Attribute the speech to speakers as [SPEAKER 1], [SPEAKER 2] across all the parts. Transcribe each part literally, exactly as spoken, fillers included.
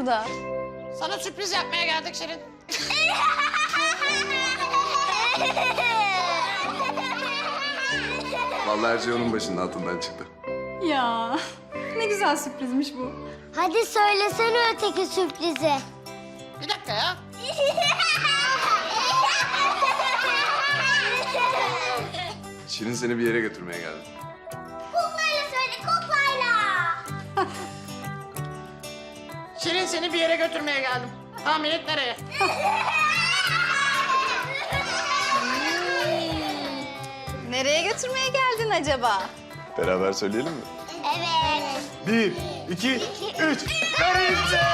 [SPEAKER 1] burada?
[SPEAKER 2] Sana sürpriz yapmaya geldik Şirin.
[SPEAKER 3] Vallahi her şey onun başının altından çıktı.
[SPEAKER 1] Ya ne güzel sürprizmiş bu.
[SPEAKER 4] Hadi söylesene öteki sürprizi.
[SPEAKER 2] Bir dakika ya.
[SPEAKER 3] Şirin seni bir yere götürmeye geldi.
[SPEAKER 4] Kuklayla söyle, kuklayla.
[SPEAKER 2] Şirin seni bir yere götürmeye geldim. Tahmin et nereye?
[SPEAKER 1] Nereye götürmeye geldin acaba?
[SPEAKER 3] Beraber söyleyelim mi?
[SPEAKER 4] Evet.
[SPEAKER 3] Bir, iki, üç. Garipçe!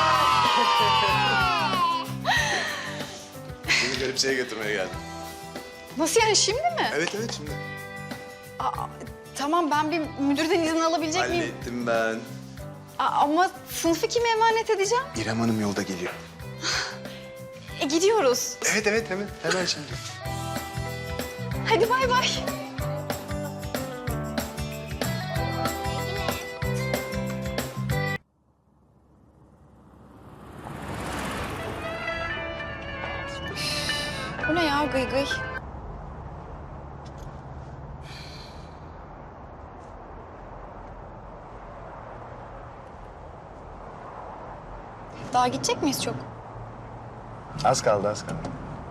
[SPEAKER 3] Seni Garipçe'ye götürmeye geldim.
[SPEAKER 1] Nasıl yani, şimdi mi?
[SPEAKER 3] Evet evet şimdi.
[SPEAKER 1] Aa, tamam, ben bir müdürden izin alabilecek miyim?
[SPEAKER 3] Hallettim ben.
[SPEAKER 1] Aa, ama sınıfı kime emanet edeceğim?
[SPEAKER 3] İrem Hanım yolda geliyor.
[SPEAKER 1] E gidiyoruz.
[SPEAKER 3] Evet evet hemen hemen şimdi.
[SPEAKER 1] Hadi bay bay. Bu ne ya, gıy gıy? Daha gidecek miyiz çok?
[SPEAKER 3] Az kaldı az kaldı.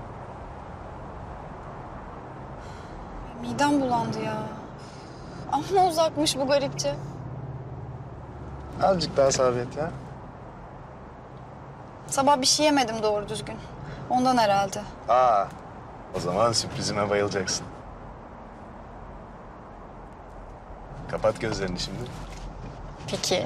[SPEAKER 1] Midem bulandı ya. Amma uzakmış bu Garipçe.
[SPEAKER 3] Azıcık daha sabret ya.
[SPEAKER 1] Sabah bir şey yemedim doğru düzgün. Ondan herhalde.
[SPEAKER 3] Aa, o zaman sürprizime bayılacaksın. Kapat gözlerini şimdi.
[SPEAKER 1] Peki.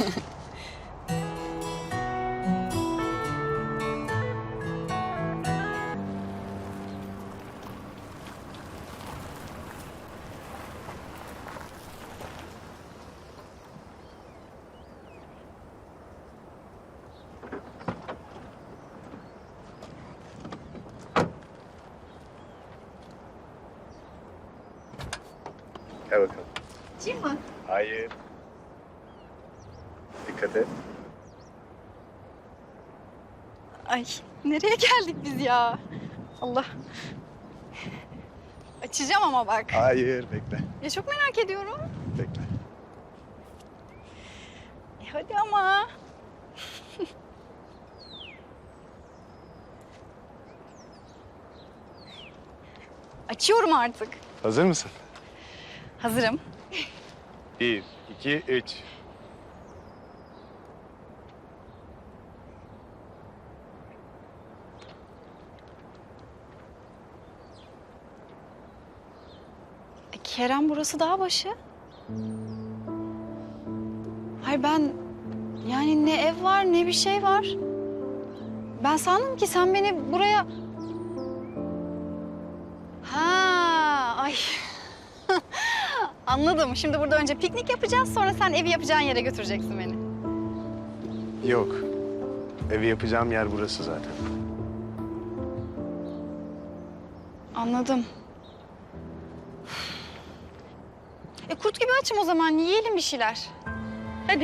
[SPEAKER 3] Gel bakalım.
[SPEAKER 1] Açayım mı?
[SPEAKER 3] Hayır. Dikkat et.
[SPEAKER 1] Ay, nereye geldik biz ya? Allah. Açacağım ama bak.
[SPEAKER 3] Hayır, bekle.
[SPEAKER 1] Ya çok merak ediyorum.
[SPEAKER 3] Bekle.
[SPEAKER 1] E hadi ama. Açıyorum artık.
[SPEAKER 3] Hazır mısın?
[SPEAKER 1] Hazırım.
[SPEAKER 3] Bir, iki, üç.
[SPEAKER 1] E, Kerem, burası dağ başı. Hayır, ben yani ne ev var ne bir şey var. Ben sandım ki sen beni buraya... Ha, ay. Anladım. Şimdi burada önce piknik yapacağız, sonra sen evi yapacağın yere götüreceksin beni.
[SPEAKER 3] Yok. Evi yapacağım yer burası zaten.
[SPEAKER 1] Anladım. E kurt gibi açım o zaman. Yiyelim bir şeyler. Hadi.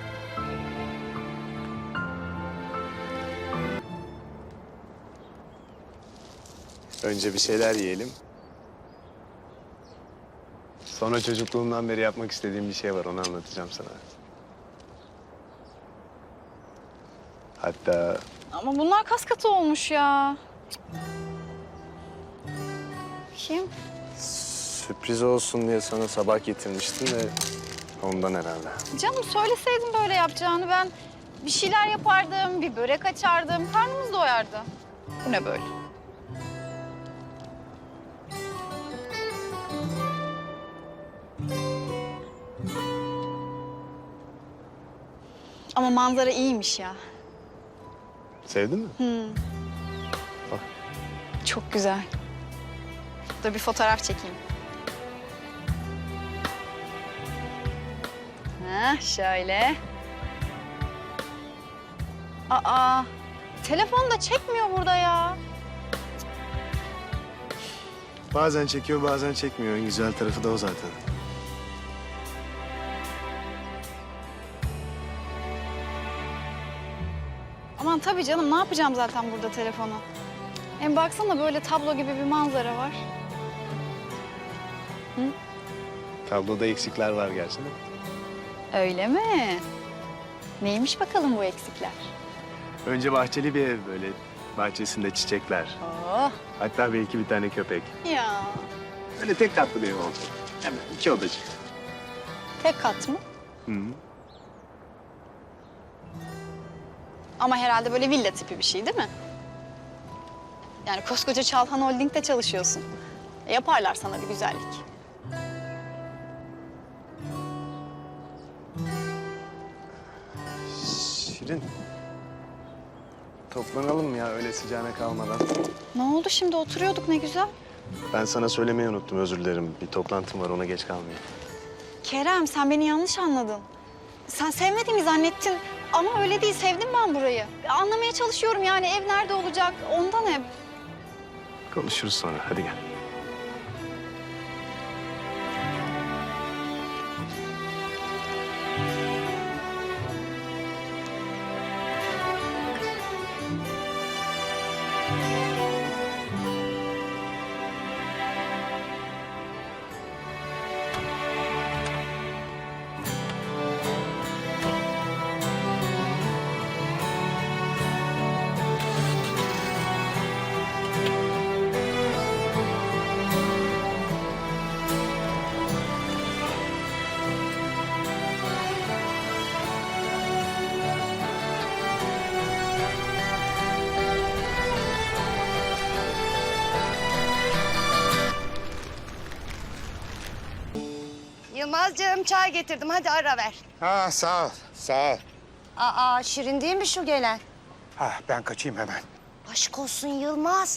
[SPEAKER 3] Önce bir şeyler yiyelim. Sonra çocukluğumdan beri yapmak istediğim bir şey var. Onu anlatacağım sana. Hatta
[SPEAKER 1] Ama bunlar kas katı olmuş ya. Kim?
[SPEAKER 3] sürpriz olsun diye sana sabah getirmiştim de ondan herhalde.
[SPEAKER 1] Canım, söyleseydin böyle yapacağını, ben bir şeyler yapardım, bir börek açardım, karnımız doyardı. Bu ne böyle? Ama manzara iyiymiş ya.
[SPEAKER 3] Sevdin mi?
[SPEAKER 1] Hmm.
[SPEAKER 3] Bak.
[SPEAKER 1] Çok güzel. Dur bir fotoğraf çekeyim. Ha, şöyle. Aa, telefon da çekmiyor burada ya.
[SPEAKER 3] Bazen çekiyor, bazen çekmiyor. En güzel tarafı da o zaten.
[SPEAKER 1] tabii canım. Ne yapacağım zaten burada telefonu? Hem baksana böyle tablo gibi bir manzara var.
[SPEAKER 3] Tabloda eksikler var gerçi de.
[SPEAKER 1] Öyle mi? Neymiş bakalım bu eksikler?
[SPEAKER 3] Önce bahçeli bir ev böyle. Bahçesinde çiçekler.
[SPEAKER 1] Oh
[SPEAKER 3] Hatta belki bir tane köpek.
[SPEAKER 1] ya.
[SPEAKER 3] Öyle tek katlı bir ev olacak. Hemen iki odacık.
[SPEAKER 1] Tek kat mı?
[SPEAKER 3] Hı hı.
[SPEAKER 1] Ama herhalde böyle villa tipi bir şey değil mi? Yani koskoca Çalhan Holding'de çalışıyorsun. E, yaparlar sana bir güzellik.
[SPEAKER 3] Şirin. Toplanalım ya öyle sıcağına kalmadan.
[SPEAKER 1] Ne oldu şimdi? Oturuyorduk ne güzel.
[SPEAKER 3] Ben sana söylemeyi unuttum, özür dilerim. Bir toplantım var, ona geç kalmayayım.
[SPEAKER 1] Kerem sen beni yanlış anladın. Sen sevmediğimi zannettin ama öyle değil. Sevdim ben burayı. Anlamaya çalışıyorum yani ev nerede olacak ondan hep.
[SPEAKER 3] Konuşuruz sonra, hadi gel.
[SPEAKER 5] Yılmazcığım çay getirdim. Hadi ara ver.
[SPEAKER 6] Ha sağ ol, sağ ol.
[SPEAKER 5] Aa Şirin değil mi şu gelen?
[SPEAKER 6] Ha ben kaçayım hemen.
[SPEAKER 5] Aşk olsun Yılmaz.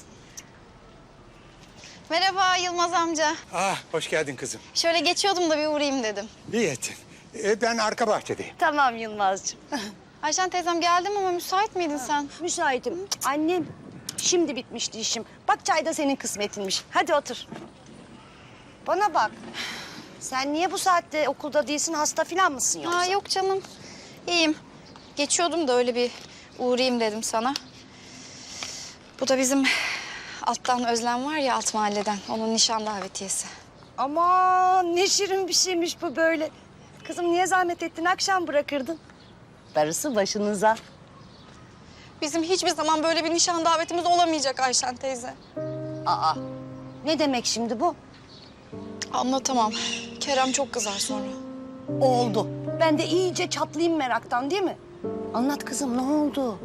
[SPEAKER 1] Merhaba Yılmaz amca.
[SPEAKER 6] Ah hoş geldin kızım.
[SPEAKER 1] Şöyle geçiyordum da bir uğrayayım dedim.
[SPEAKER 6] İyi ettin. E, ben arka bahçedeyim.
[SPEAKER 5] Tamam Yılmazcığım.
[SPEAKER 1] Ayşen teyzem geldim ama müsait miydin sen?
[SPEAKER 5] Müsaitim. Annem şimdi bitmişti işim. Bak çay da senin kısmetinmiş. Hadi otur. Bana bak. Sen niye bu saatte okulda değilsin? Hasta falan mısın yoksa?
[SPEAKER 1] Ha yok canım. İyiyim. Geçiyordum da öyle bir uğrayayım dedim sana. Bu da bizim alttan Özlem var ya alt mahalleden. Onun nişan davetiyesi.
[SPEAKER 5] Aman ne şirin bir şeymiş bu böyle. Kızım niye zahmet ettin? Akşam bırakırdın. Darısı başınıza.
[SPEAKER 1] Bizim hiçbir zaman böyle bir nişan davetimiz olamayacak Ayşen teyze.
[SPEAKER 5] Aa ne demek şimdi bu?
[SPEAKER 1] Anlatamam. Kerem çok kızar sonra.
[SPEAKER 5] Oldu. Ben de iyice çatlayayım meraktan değil mi? Anlat kızım ne oldu?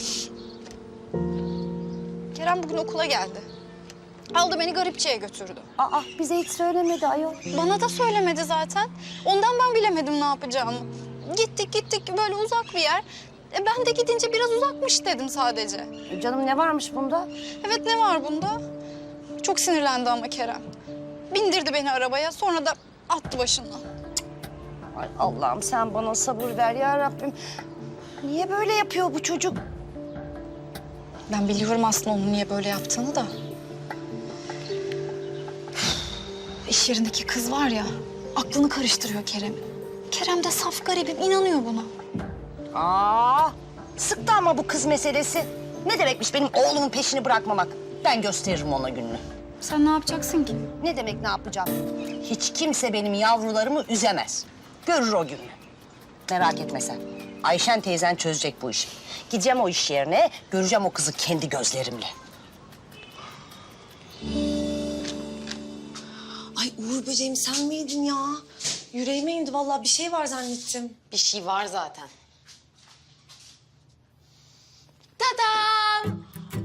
[SPEAKER 1] Kerem bugün okula geldi. Aldı beni garipçiye götürdü.
[SPEAKER 5] Aa bize hiç söylemedi ayol.
[SPEAKER 1] Bana da söylemedi zaten. Ondan ben bilemedim ne yapacağımı. Gittik gittik böyle uzak bir yer. E, ben de gidince biraz uzakmış dedim sadece.
[SPEAKER 5] Canım ne varmış bunda?
[SPEAKER 1] Evet ne var bunda? Çok sinirlendi ama Kerem. Bindirdi beni arabaya sonra da attı başından.
[SPEAKER 5] Ay Allah'ım sen bana sabır ver ya Rabbim. Niye böyle yapıyor bu çocuk?
[SPEAKER 1] Ben biliyorum aslında onun niye böyle yaptığını da. İş yerindeki kız var ya, aklını karıştırıyor Kerem'in. Kerem de saf garibim, inanıyor buna.
[SPEAKER 5] Aa, sıktı ama bu kız meselesi. Ne demekmiş benim oğlumun peşini bırakmamak? Ben gösteririm ona gününü.
[SPEAKER 1] Sen ne yapacaksın ki?
[SPEAKER 5] Ne demek ne yapacağım? Hiç kimse benim yavrularımı üzemez. Görür o gününü. Merak etme sen. Ayşen teyzen çözecek bu işi. Gideceğim o iş yerine, göreceğim o kızı kendi gözlerimle.
[SPEAKER 7] Ay Uğur böceğim sen miydin ya? Yüreğime indi vallahi bir şey var zannettim.
[SPEAKER 8] Bir şey var zaten. Tadam!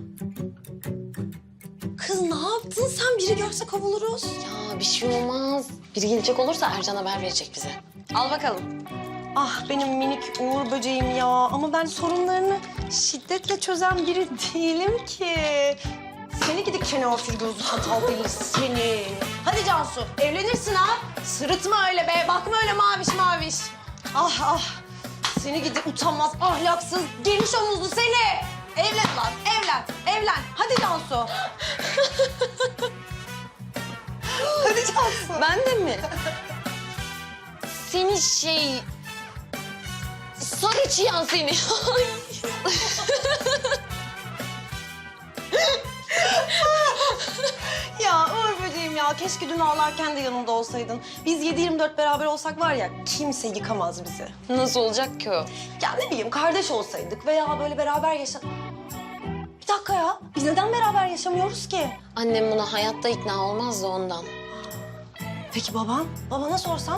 [SPEAKER 7] Kız ne yaptın sen? Biri görse kovuluruz.
[SPEAKER 8] Ya bir şey olmaz. Biri gelecek olursa Ercan haber verecek bize. Al bakalım.
[SPEAKER 7] Ah benim minik Uğur böceğim ya. Ama ben sorunlarını şiddetle çözen biri değilim ki. Seni gidi kenafir gözlü hatal deli seni. Hadi Cansu evlenirsin ha. Sırıtma öyle be. Bakma öyle maviş maviş. Ah ah. Seni gidi utanmaz, ahlaksız, geniş omuzlu seni. Evlen lan, evlen, evlen. Hadi Cansu. Hadi Cansu.
[SPEAKER 8] Ben de mi? Seni şey... Sarı çıyan seni. Ay.
[SPEAKER 7] Ya Uğur böceğim ya, keşke dün ağlarken de yanımda olsaydın. Biz yedi yirmi dört beraber olsak var ya, kimse yıkamaz bizi.
[SPEAKER 8] Nasıl olacak ki o?
[SPEAKER 7] Ya ne bileyim, kardeş olsaydık veya böyle beraber yaşa... Bir dakika ya, biz neden beraber yaşamıyoruz ki?
[SPEAKER 8] Annem buna hayatta ikna olmaz da ondan.
[SPEAKER 7] Peki baban? Babana sorsan?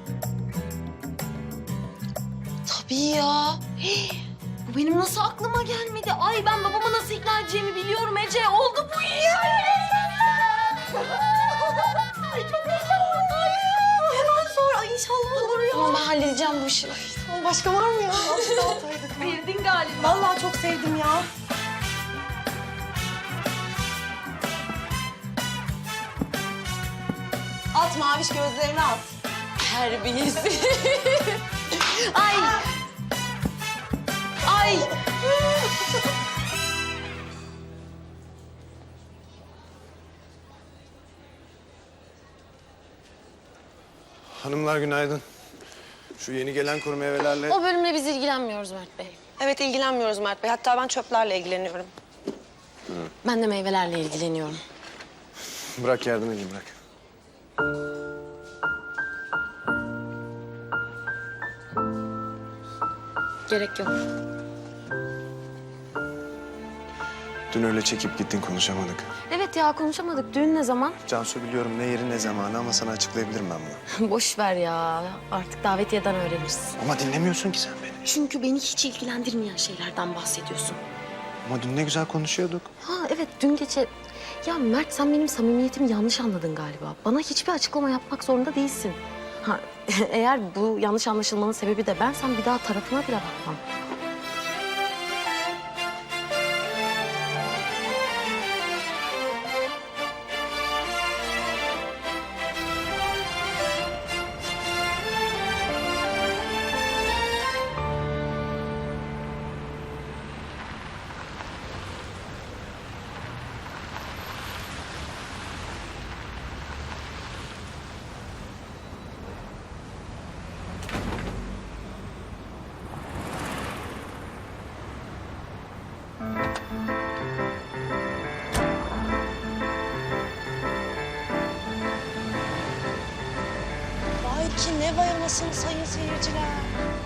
[SPEAKER 8] Tabii ya. Hii, bu benim nasıl aklıma gelmedi? Ay ben babama nasıl ikna edeceğimi biliyorum Ece. Oldu bu iş.
[SPEAKER 7] Ay çok heyecanlıyım. Hemen sor. Ay inşallah olur ya.
[SPEAKER 8] Tamam ben halledeceğim bu işi.
[SPEAKER 7] Ay, başka var mı ya? Az daha ataydık.
[SPEAKER 8] Bildin galiba.
[SPEAKER 7] Vallahi çok sevdim ya. At maviş gözlerini at.
[SPEAKER 8] Terbiyesi. Ay. Ay.
[SPEAKER 3] Hanımlar günaydın. Şu yeni gelen kuru meyvelerle...
[SPEAKER 8] O bölümle biz ilgilenmiyoruz Mert Bey.
[SPEAKER 7] Evet ilgilenmiyoruz Mert Bey. Hatta ben çöplerle ilgileniyorum.
[SPEAKER 8] Ben de meyvelerle ilgileniyorum.
[SPEAKER 3] Bırak yardım edeyim bırak.
[SPEAKER 8] Gerek yok.
[SPEAKER 3] Dün öyle çekip gittin konuşamadık.
[SPEAKER 8] Evet ya konuşamadık. Düğün ne zaman?
[SPEAKER 3] Cansu biliyorum ne yeri ne zamanı ama sana açıklayabilirim ben bunu.
[SPEAKER 8] Boş ver ya. Artık davetiyeden öğreniriz.
[SPEAKER 3] Ama dinlemiyorsun ki sen beni.
[SPEAKER 8] Çünkü beni hiç ilgilendirmeyen şeylerden bahsediyorsun.
[SPEAKER 3] Ama dün ne güzel konuşuyorduk.
[SPEAKER 8] Ha evet dün gece... Ya Mert sen benim samimiyetimi yanlış anladın galiba. Bana hiçbir açıklama yapmak zorunda değilsin. Ha eğer bu yanlış anlaşılmanın sebebi de bensem bir daha tarafına bile bakmam.
[SPEAKER 7] Vay ki ne vay anasını sayın seyirciler.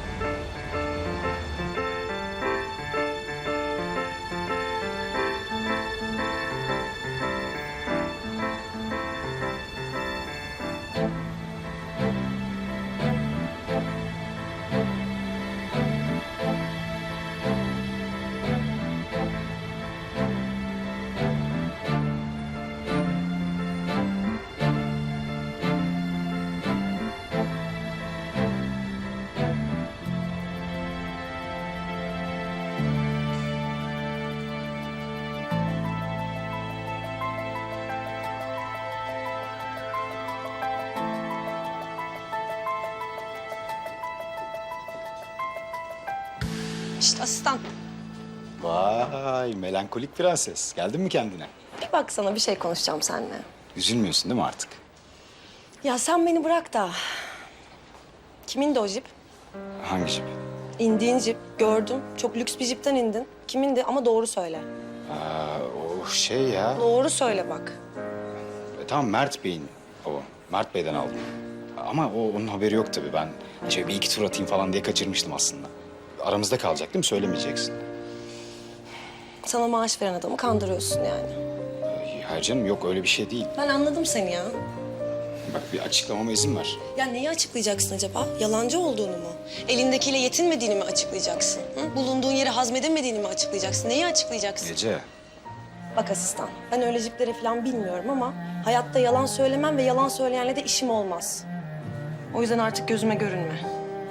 [SPEAKER 7] Şişt asistan.
[SPEAKER 9] Vay melankolik prenses. Geldin mi kendine?
[SPEAKER 7] Bir baksana bir şey konuşacağım seninle.
[SPEAKER 9] Üzülmüyorsun değil mi artık?
[SPEAKER 7] Ya sen beni bırak da. Kimin de o jip?
[SPEAKER 9] Hangi jip?
[SPEAKER 7] İndiğin jip gördüm. Çok lüks bir jipten indin. Kimindi ama doğru söyle.
[SPEAKER 9] Aa, o şey ya.
[SPEAKER 7] Doğru söyle bak.
[SPEAKER 9] E, tamam Mert Bey'in o. Mert Bey'den aldım. Ama o onun haberi yok tabii. Ben şöyle bir iki tur atayım falan diye kaçırmıştım aslında. Aramızda kalacak değil mi? Söylemeyeceksin.
[SPEAKER 7] Sana maaş veren adamı kandırıyorsun yani.
[SPEAKER 9] Ee, Hayır canım yok öyle bir şey değil.
[SPEAKER 7] Ben anladım seni ya.
[SPEAKER 9] Bak bir açıklamama izin ver.
[SPEAKER 7] Ya neyi açıklayacaksın acaba? Yalancı olduğunu mu? Elindekiyle yetinmediğini mi açıklayacaksın? Hı? Bulunduğun yeri hazmedemediğini mi açıklayacaksın? Neyi açıklayacaksın?
[SPEAKER 9] Gece.
[SPEAKER 7] Bak asistan, ben öyle jipleri falan bilmiyorum ama hayatta yalan söylemem ve yalan söyleyenle de işim olmaz. O yüzden artık gözüme görünme.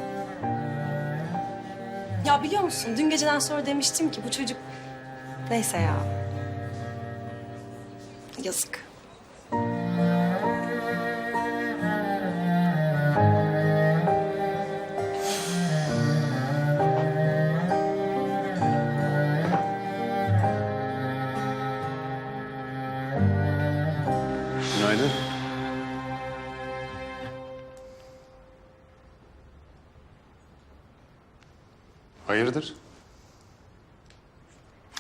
[SPEAKER 7] Ya biliyor musun, dün geceden sonra demiştim ki bu çocuk... Neyse ya. Yazık.
[SPEAKER 3] Günaydın. Hayırdır?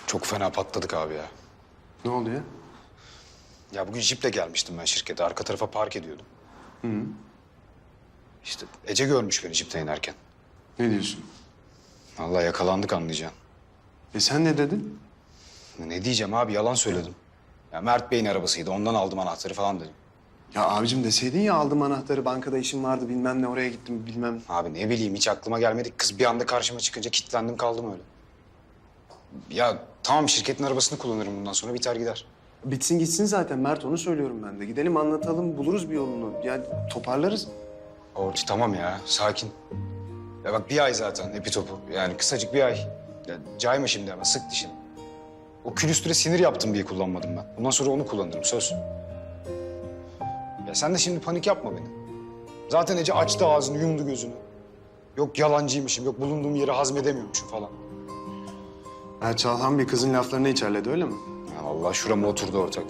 [SPEAKER 9] Çok fena patladık abi ya.
[SPEAKER 3] Ne oldu ya?
[SPEAKER 9] Ya bugün jiple gelmiştim ben şirkete. Arka tarafa park ediyordum.
[SPEAKER 3] Hı.
[SPEAKER 9] İşte Ece görmüş beni jipten inerken.
[SPEAKER 3] Ne diyorsun?
[SPEAKER 9] Vallahi yakalandık anlayacaksın.
[SPEAKER 3] E sen ne dedin?
[SPEAKER 9] Ne diyeceğim abi, yalan söyledim. Ya Mert Bey'in arabasıydı, ondan aldım anahtarı falan dedim.
[SPEAKER 3] Ya abicim deseydin ya aldım anahtarı, bankada işim vardı bilmem ne, oraya gittim bilmem.
[SPEAKER 9] Abi ne bileyim, hiç aklıma gelmedi. Kız bir anda karşıma çıkınca kilitlendim kaldım öyle. Ya tamam, şirketin arabasını kullanırım bundan sonra, biter gider.
[SPEAKER 3] Bitsin gitsin zaten Mert, onu söylüyorum ben de. Gidelim anlatalım, buluruz bir yolunu. Yani toparlarız.
[SPEAKER 9] Orti tamam ya, sakin. Ya bak bir ay zaten epi topu. Yani kısacık bir ay. Ya cayma şimdi ama, sık dişini. O külüstüre sinir yaptım diye kullanmadım ben. Bundan sonra onu kullanırım, söz. Ya sen de şimdi panik yapma beni. Zaten Ece açtı ağzını, yumdu gözünü. Yok yalancıymışım, yok bulunduğum yeri hazmedemiyormuşum falan.
[SPEAKER 3] Ha, Çalhan bir kızın laflarını içerledi, öyle mi?
[SPEAKER 9] Ya vallahi şurama oturdu ortak.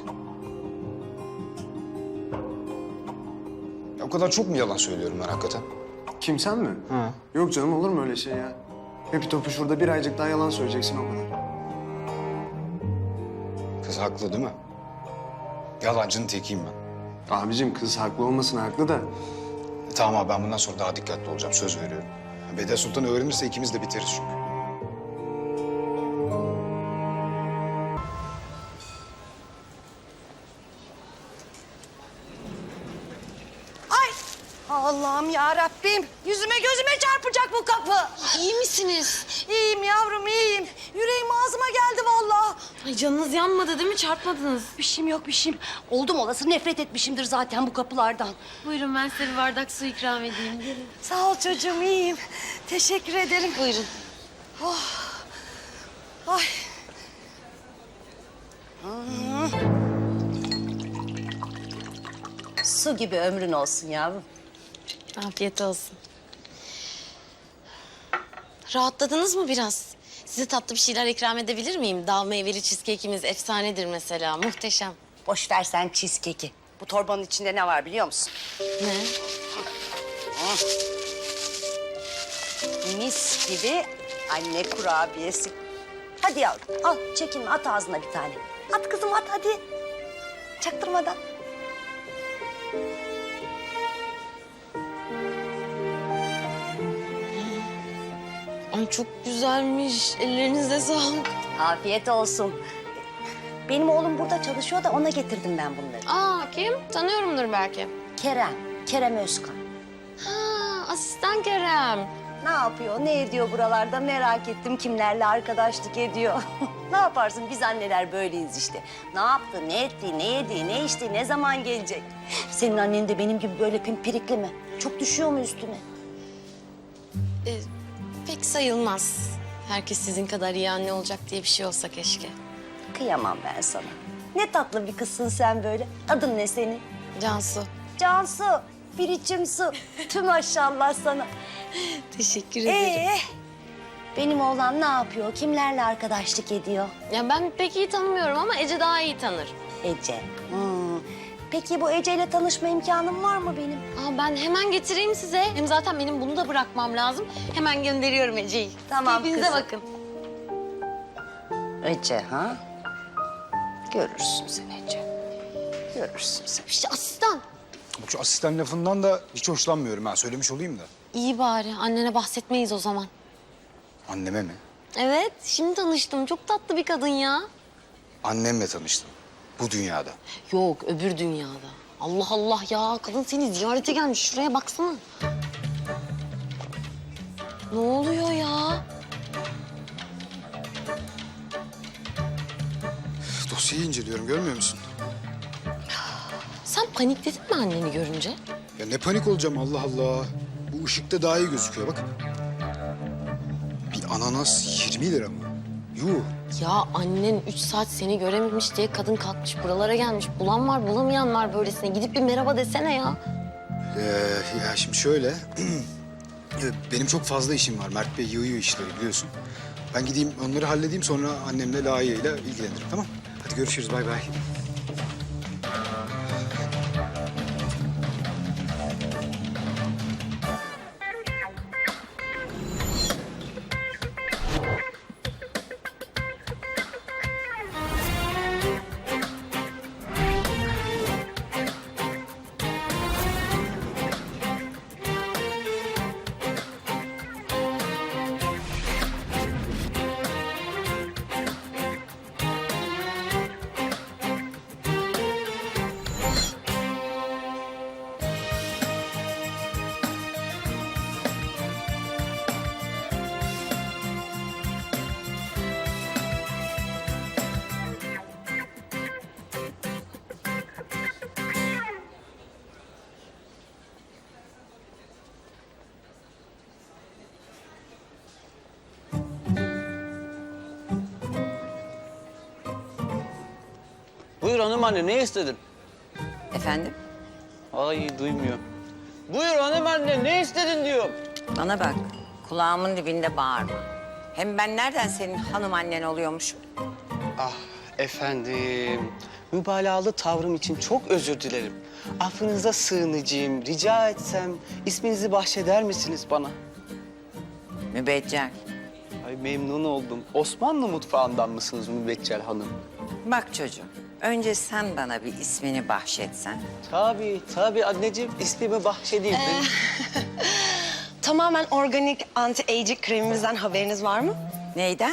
[SPEAKER 9] Ya o kadar çok mu yalan söylüyorum ben hakikaten?
[SPEAKER 3] Kim, sen mi?
[SPEAKER 9] Ha.
[SPEAKER 3] Yok canım, olur mu öyle şey ya? Hepi topu şurada bir aycık daha yalan söyleyeceksin, o kadar.
[SPEAKER 9] Kız haklı değil mi? Yalancının tekiyim ben.
[SPEAKER 3] Abicim kız haklı olmasın, haklı da.
[SPEAKER 9] E, tamam abi, ben bundan sonra daha dikkatli olacağım, söz veriyorum. Beden Sultan öğrenirse ikimiz de biteriz çünkü.
[SPEAKER 7] Ay Allah'ım ya Rabbim. Yüzüme gözüme çarpacak bu kapı.
[SPEAKER 8] İyi misiniz?
[SPEAKER 7] İyiyim yavrum iyiyim. Yüreğim ağzıma geldi vallahi.
[SPEAKER 8] Ay canınız yanmadı değil mi? Çarpmadınız.
[SPEAKER 5] Bir şeyim yok bir şeyim. Oldum olası nefret etmişimdir zaten bu kapılardan.
[SPEAKER 8] Buyurun ben size bir bardak su ikram edeyim. Gelin.
[SPEAKER 7] Sağ ol çocuğum iyiyim. Teşekkür ederim.
[SPEAKER 8] Buyurun.
[SPEAKER 7] Ay.
[SPEAKER 5] Su gibi ömrün olsun yavrum.
[SPEAKER 8] Afiyet olsun. Rahatladınız mı biraz? Size tatlı bir şeyler ikram edebilir miyim? Dağ meyveli cheesecake'imiz efsanedir mesela. Muhteşem.
[SPEAKER 5] Boş ver sen cheesecake'i. Bu torbanın içinde ne var biliyor musun?
[SPEAKER 8] Ne?
[SPEAKER 5] Mis gibi anne kurabiyesi. Hadi yavrum al çekinme, at ağzına bir tane. At kızım at hadi. Çaktırmadan.
[SPEAKER 8] Ay çok güzelmiş. Ellerinize sağlık.
[SPEAKER 5] Afiyet olsun. Benim oğlum burada çalışıyor da ona getirdim ben bunları.
[SPEAKER 8] Aa kim? Tanıyorumdur belki.
[SPEAKER 5] Kerem, Kerem Özkan.
[SPEAKER 8] Ha, asistan Kerem.
[SPEAKER 5] Ne yapıyor, ne ediyor buralarda merak ettim. Kimlerle arkadaşlık ediyor. Ne yaparsın biz anneler böyleyiz işte. Ne yaptı, ne etti, ne yedi, ne içti, ne zaman gelecek? Senin annen de benim gibi böyle pimpirikli mi? Çok düşüyor mu üstüne?
[SPEAKER 8] Ee, pek sayılmaz. Herkes sizin kadar iyi anne olacak diye bir şey olsa keşke.
[SPEAKER 5] Kıyamam ben sana. Ne tatlı bir kızsın sen böyle. Adın ne senin?
[SPEAKER 8] Cansu.
[SPEAKER 5] Cansu, bir içim su. Tüm maşallah sana.
[SPEAKER 8] Teşekkür ederim.
[SPEAKER 5] Ee, benim oğlan ne yapıyor? Kimlerle arkadaşlık ediyor?
[SPEAKER 8] Ya ben pek iyi tanımıyorum ama Ece daha iyi tanır.
[SPEAKER 5] Ece. Hmm. Peki bu Ece ile tanışma imkanım var mı benim?
[SPEAKER 8] Aa, ben hemen getireyim size. Hem zaten benim bunu da bırakmam lazım. Hemen gönderiyorum Ece'yi.
[SPEAKER 5] Tamam
[SPEAKER 8] Keyfinize
[SPEAKER 5] kızım.
[SPEAKER 8] bakın.
[SPEAKER 5] Ece ha? Görürsün sen Ece. Görürsün sen.
[SPEAKER 8] İşte asistan.
[SPEAKER 9] Bak şu asistan lafından da hiç hoşlanmıyorum ha, söylemiş olayım da.
[SPEAKER 8] İyi bari. Annene bahsetmeyiz o zaman.
[SPEAKER 9] Anneme mi?
[SPEAKER 8] Evet, şimdi tanıştım. Çok tatlı bir kadın ya.
[SPEAKER 9] Annemle tanıştım. Bu dünyada.
[SPEAKER 8] Yok, öbür dünyada. Allah Allah ya. Kadın seni ziyarete gelmiş. Şuraya baksana. Ne oluyor ya?
[SPEAKER 9] Dosyayı inceliyorum, görmüyor musun?
[SPEAKER 8] Sen panikledin mi anneni görünce?
[SPEAKER 9] Ya ne panik olacağım, Allah Allah. Bu ışıkta daha iyi gözüküyor bak. Bir ananas yirmi lira mı? Yuh.
[SPEAKER 8] Ya annen üç saat seni görememiş diye kadın kalkmış buralara gelmiş. Bulan var, bulamayan var böylesine. Gidip bir merhaba desene ya.
[SPEAKER 9] Ee, ya şimdi şöyle. Evet, benim çok fazla işim var. Mert Bey yığıyor işleri biliyorsun. Ben gideyim onları halledeyim, sonra annemle layığıyla ilgilenirim, tamam? Hadi görüşürüz, bay bay.
[SPEAKER 10] Buyur hanım anne, ne istedin?
[SPEAKER 11] Efendim?
[SPEAKER 10] Ay duymuyor. Buyur hanım anne, ne istedin diyorum.
[SPEAKER 11] Bana bak, kulağımın dibinde bağırma. Hem ben nereden senin hanım annen oluyormuşum?
[SPEAKER 10] Ah efendim, mübalağalı tavrım için çok özür dilerim. Affınıza sığınacağım, rica etsem isminizi bahşeder misiniz bana?
[SPEAKER 11] Mübeccel.
[SPEAKER 10] Ay memnun oldum. Osmanlı mutfağından mısınız Mübeccel Hanım?
[SPEAKER 11] Bak çocuğum, önce sen bana bir ismini bahşetsen.
[SPEAKER 10] Tabii, tabii anneciğim. ismimi bahşedeyim.
[SPEAKER 7] Ee, Tamamen organik anti-aging kremimizden haberiniz var mı?
[SPEAKER 11] Neyden?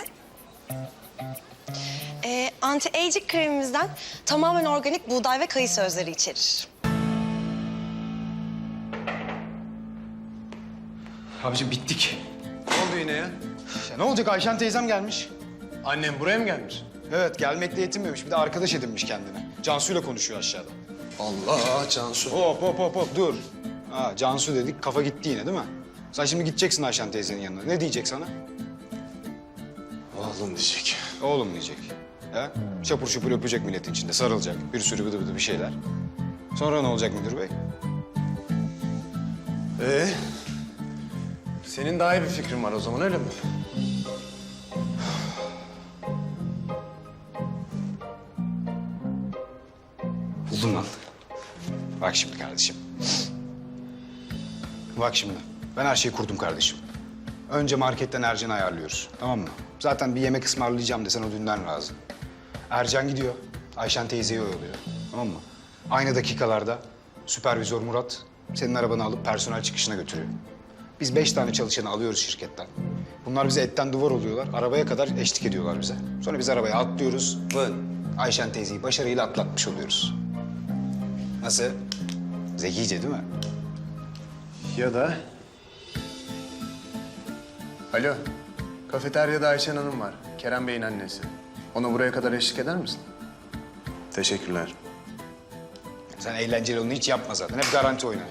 [SPEAKER 7] Ee, anti-aging kremimizden tamamen organik buğday ve kayısı özleri içerir.
[SPEAKER 9] Abicim bittik. Ne oldu yine ya? Ya ne olacak? Ayşen teyzem gelmiş.
[SPEAKER 3] Annem buraya mı gelmiş?
[SPEAKER 9] Evet, gelmekle yetinmemiş. Bir de arkadaş edinmiş kendine. Cansu'yla konuşuyor aşağıda.
[SPEAKER 3] Allah Cansu.
[SPEAKER 9] Hop hop hop hop dur. Ha, Cansu dedik, kafa gitti yine değil mi? Sen şimdi gideceksin Ayşen teyzenin yanına. Ne diyecek sana?
[SPEAKER 3] Oğlum diyecek.
[SPEAKER 9] Oğlum diyecek. Ha? Şapur şupur öpecek milletin içinde, sarılacak. Bir sürü bıdı bıdı bir şeyler. Sonra ne olacak müdür bey?
[SPEAKER 3] Ee, senin daha iyi bir fikrin var o zaman öyle mi?
[SPEAKER 9] Buldum lan. Bak şimdi kardeşim. Bak şimdi. Ben her şeyi kurdum kardeşim. Önce marketten Ercan'ı ayarlıyoruz. Tamam mı? Zaten bir yemek ısmarlayacağım desen o dünden razı. Ercan gidiyor. Ayşen teyzeyi oyalıyor. Tamam mı? Aynı dakikalarda süpervizör Murat senin arabanı alıp personel çıkışına götürüyor. Biz beş tane çalışanı alıyoruz şirketten. Bunlar bize etten duvar oluyorlar. Arabaya kadar eşlik ediyorlar bize. Sonra biz arabaya atlıyoruz. Vın. Ayşen teyzeyi başarıyla atlatmış oluyoruz. Nasıl? Zekice değil mi?
[SPEAKER 3] Ya da... Alo, kafeteryada Ayşen Hanım var. Kerem Bey'in annesi. Ona buraya kadar eşlik eder misin? Teşekkürler.
[SPEAKER 9] Sen eğlenceli onu hiç yapma zaten. Hep garanti oyna.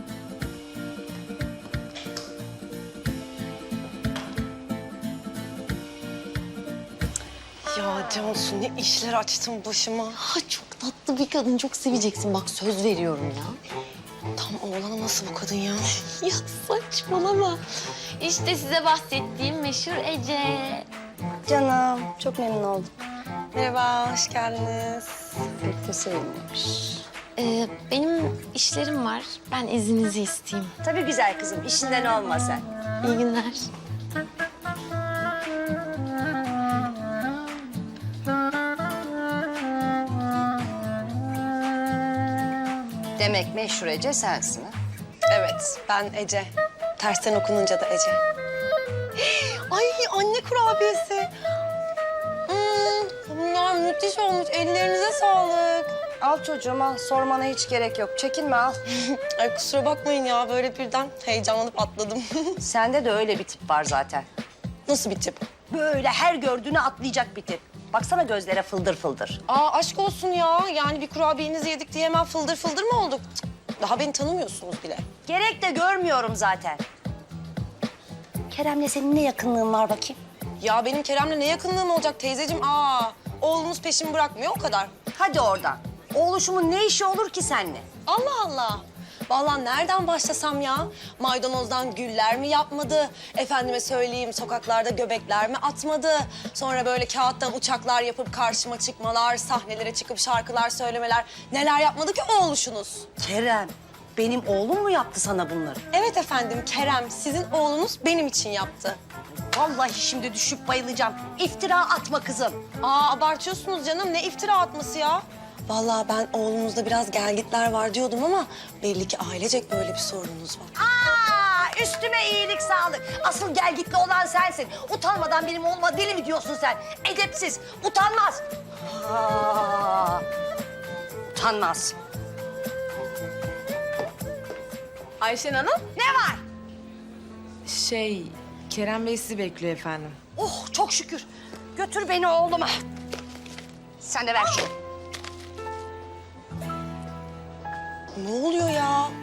[SPEAKER 7] Ya Cansu ne işler açtın başıma.
[SPEAKER 8] Ha, çok tatlı bir kadın, çok seveceksin. Bak söz veriyorum ya.
[SPEAKER 7] Tam oğlana nasıl bu kadın ya?
[SPEAKER 8] Ya saçmalama.
[SPEAKER 1] İşte size bahsettiğim meşhur Ece.
[SPEAKER 7] Canım çok memnun oldum. Merhaba, hoş geldiniz.
[SPEAKER 5] Pek de sevinmemiş.
[SPEAKER 8] Ee, benim işlerim var. Ben izninizi isteyeyim.
[SPEAKER 5] Tabii güzel kızım, işinden olma sen.
[SPEAKER 8] İyi günler.
[SPEAKER 5] Demek meşhur Ece sensin ha?
[SPEAKER 7] Evet, ben Ece. Tersten okununca da Ece. Ay anne kurabiyesi. Hmm, bunlar müthiş olmuş. Ellerinize sağlık.
[SPEAKER 5] Al çocuğum al, sormana hiç gerek yok. Çekinme al.
[SPEAKER 7] Ay kusura bakmayın ya böyle birden heyecanlanıp atladım.
[SPEAKER 5] Sende de öyle bir tip var zaten.
[SPEAKER 7] Nasıl bir tip?
[SPEAKER 5] Böyle her gördüğünü atlayacak bir tip. Baksana gözlere fıldır fıldır.
[SPEAKER 7] Aa aşk olsun ya. Yani bir kurabiyenizi yedik diye hemen fıldır fıldır mı olduk? Cık, daha beni tanımıyorsunuz bile.
[SPEAKER 5] Gerek de görmüyorum zaten. Kerem'le senin ne yakınlığın var bakayım?
[SPEAKER 7] Ya benim Kerem'le ne yakınlığım olacak teyzeciğim? Aa oğlunuz peşimi bırakmıyor o kadar.
[SPEAKER 5] Hadi oradan. Oğluşumun ne işi olur ki seninle?
[SPEAKER 7] Allah Allah. Vallahi nereden başlasam ya? Maydanozdan güller mi yapmadı? Efendime söyleyeyim sokaklarda göbekler mi atmadı? Sonra böyle kağıttan uçaklar yapıp karşıma çıkmalar, sahnelere çıkıp şarkılar söylemeler. Neler yapmadı ki oğluşunuz?
[SPEAKER 5] Kerem, benim oğlum mu yaptı sana bunları?
[SPEAKER 7] Evet efendim Kerem, sizin oğlunuz benim için yaptı.
[SPEAKER 5] Vallahi şimdi düşüp bayılacağım. İftira atma kızım.
[SPEAKER 7] Aa abartıyorsunuz canım. Ne iftira atması ya? Vallahi ben oğlunuzda biraz gelgitler var diyordum ama belli ki ailecek böyle bir sorununuz var.
[SPEAKER 5] Aa, üstüme iyilik sağlık. Asıl gelgitli olan sensin. Utanmadan benim oğluma deli mi diyorsun sen? Edepsiz, utanmaz. Aa, utanmaz.
[SPEAKER 12] Ayşen Hanım?
[SPEAKER 5] Ne var?
[SPEAKER 12] Şey, Kerem Bey sizi bekliyor efendim.
[SPEAKER 5] Oh çok şükür. Götür beni oğluma. Sen de ver şunu.
[SPEAKER 7] Ne oluyor ya?